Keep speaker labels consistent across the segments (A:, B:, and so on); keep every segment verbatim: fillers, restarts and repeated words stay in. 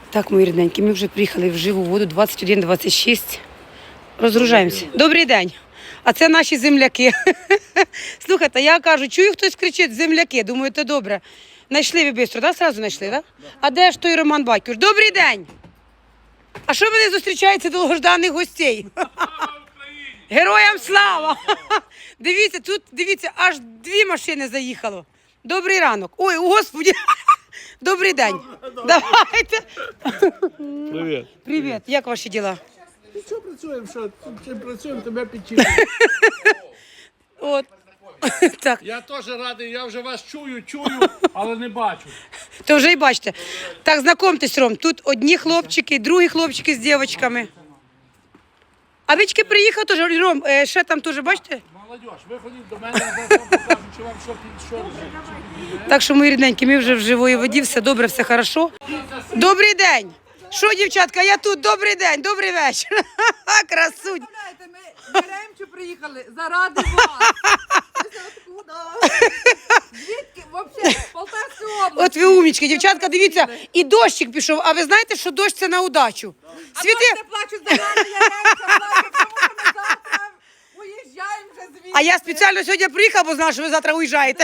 A: Так, мої рідненькі, ми вже приїхали в живу воду двадцять один двадцять шість. Розгружаємося. Добрий день. А це наші земляки. Слухайте, я кажу, чую, хтось кричить земляки. Думаю, це добре. Найшли ви швидко, так? Сразу знайшли, так? А де ж той Роман Батьків? Добрий день. А що мене зустрічається довгожданих гостей? Героям слава! Дивіться, тут, дивіться, аж дві машини заїхало. Добрий ранок. Ой, господи. Добрий день. Давайте.
B: Привіт.
A: Привіт. Як ваші діла?
B: Що працюємо? Що? Чим працюємо, тебе підчіпимо.
A: От. Так.
B: Я теж радий, я вже вас чую, чую, але не бачу.
A: То вже і бачите. Так, знайомтесь, Ром, тут одні хлопчики, другі хлопчики з дівчатками. А Вічки приїхав теж, Ром, е, ще там теж, бачите?
B: Молодь, виходіть до мене, я вам покажу, чи вам що під що.
A: Так що, мої рідненькі, ми вже в живої воді, все добре, все хорошо. Добрий день! Що, дівчатка, я тут, добрий день, добрий вечір. Красунь.
C: Ми Яремчу приїхали заради вас. Откуда? Звідки? Взагалі, з Полтавської області.
A: От ви умнічки, дівчатка, дивіться, і дощик пішов, а ви знаєте, що дощ це на удачу.
C: А
A: Світи...
C: то не плачуть за нами, Яремча плачуть, тому що ми завтра уїжджаємо вже звідси.
A: А я спеціально сьогодні приїхала, бо знала, що ви завтра уїжджаєте.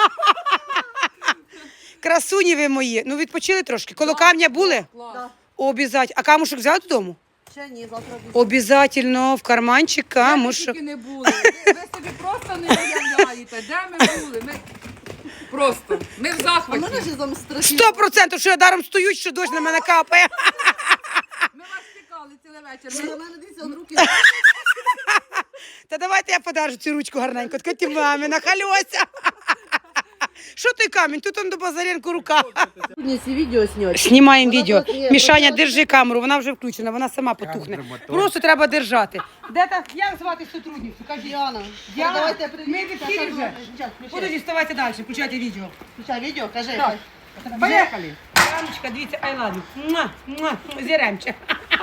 A: Красуні ви мої. Ну відпочили трошки. Коло камня були?
C: Клас.
A: Обязательно. А камушок взяли додому?
C: Ще ні, завтра буде.
A: Обязательно в карманчик камушок.
C: Ми тільки не були. Ви, ви собі просто не уявляєте, де ми були. Ми просто, ми в захваті.
A: Сто процентів, що я даром стою, що дощ на мене капає.
C: Ми вас чекали цілий вечір. Ми на мене дивіться, он руки.
A: Та давайте я подарю цю ручку гарненько. Така ти мамі, нахальося. Що той камінь? Тут он до Базаренко рука.
C: Сьогодні ці відео знімати.
A: Знімаємо відео. Мішаня, держи камеру, вона вже включена, вона сама потухне. Просто треба держати. Де та, як звати сотрудницю? Кажіть.
C: Діана.
A: Діана,
C: Давайте
A: ми в ефірі вже. Подожди, вставайте далі, включайте відео.
C: Включай відео, кажи.
A: Так. Поїхали. Яночка, дивіться, I love you. Муа, муа, зіремче.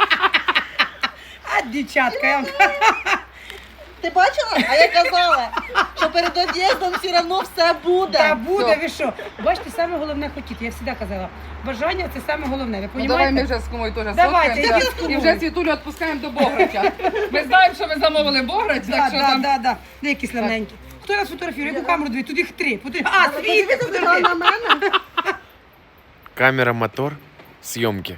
A: А, дівчатка, я вам
C: Ти бачила? А я казала, що перед од'їздом все одно все буде.
A: Та буде, ви що? Бачите, саме головне хотіти, я завжди казала. Бажання – це саме головне, ви
D: Ну, давай ми
A: розумієте?
D: вже з кумою теж
A: Давайте,
D: сфоткаємося.
A: йдіть з кумою.
D: І вже Світулю відпускаємо до Бограча. Ми знаємо, що ви замовили Бограч,
A: Да,
D: так що
A: да,
D: там...
A: да, да. Де які славненькі. Хто нас фотографує? Яку камеру дві? Тут їх три. Подиві- А, світи, подожди.
C: на мене.
E: Камера, мотор, съемки.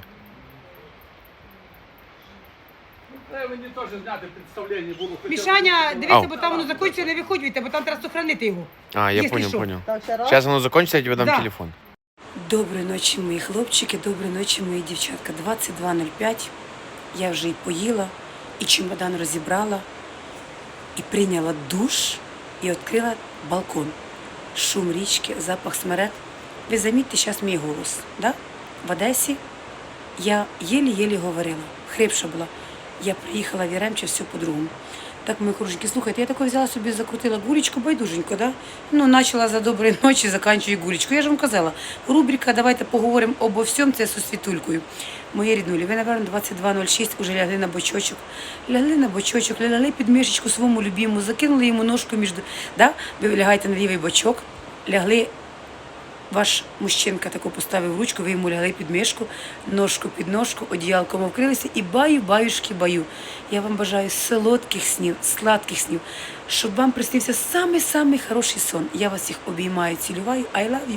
B: Треба мені теж зняти представлення, буду хотів.
A: Мішаня, дивіться,
E: Ау.
A: бо там воно закінчиться, не виходьте, бо там треба сохранити його.
E: А, я
A: Если
E: понял,
A: что.
E: понял.
C: Так, ще раз.
E: Сейчас оно закончится, я тебе дам
A: Да.
E: телефон.
A: Доброї ночі, мої хлопчики, доброї ночі, мої дівчатка. двадцять два нуль п'ять. Я вже і поїла, і чемодан розібрала, і прийняла душ, і відкрила балкон. Шум річки, запах смерек. Ви замітьте зараз мій голос. Да? В Одесі я єлі-єлі говорила, хрипша була. Я приїхала в Яремче, все по-другому. Так, мої кружки, слухайте, я тако взяла собі, закрутила гулечку, байдуженько, да? Ну, почала за доброї ночі, заканчую гулечку. Я ж вам казала, рубрика «Давайте поговоримо обо всьому» – це зі Світулькою. Мої ріднулі, ви, напевно, двадцять два нуль шість уже лягли на бочочок. Лягли на бочочок, лягли під мішечку своєму любимому, закинули йому ножку між... Да? Ви лягаєте на лівий бочок, лягли, ваш мужчинка таку поставив ручку, ви йому лягли під мішку, ножку під ножку, одіялком вкрилися і баю, баюшки, баю. Я вам бажаю солодких снів, сладких снів, щоб вам приснився самий-самий хороший сон. Я вас всіх обіймаю, цілюваю. I love you.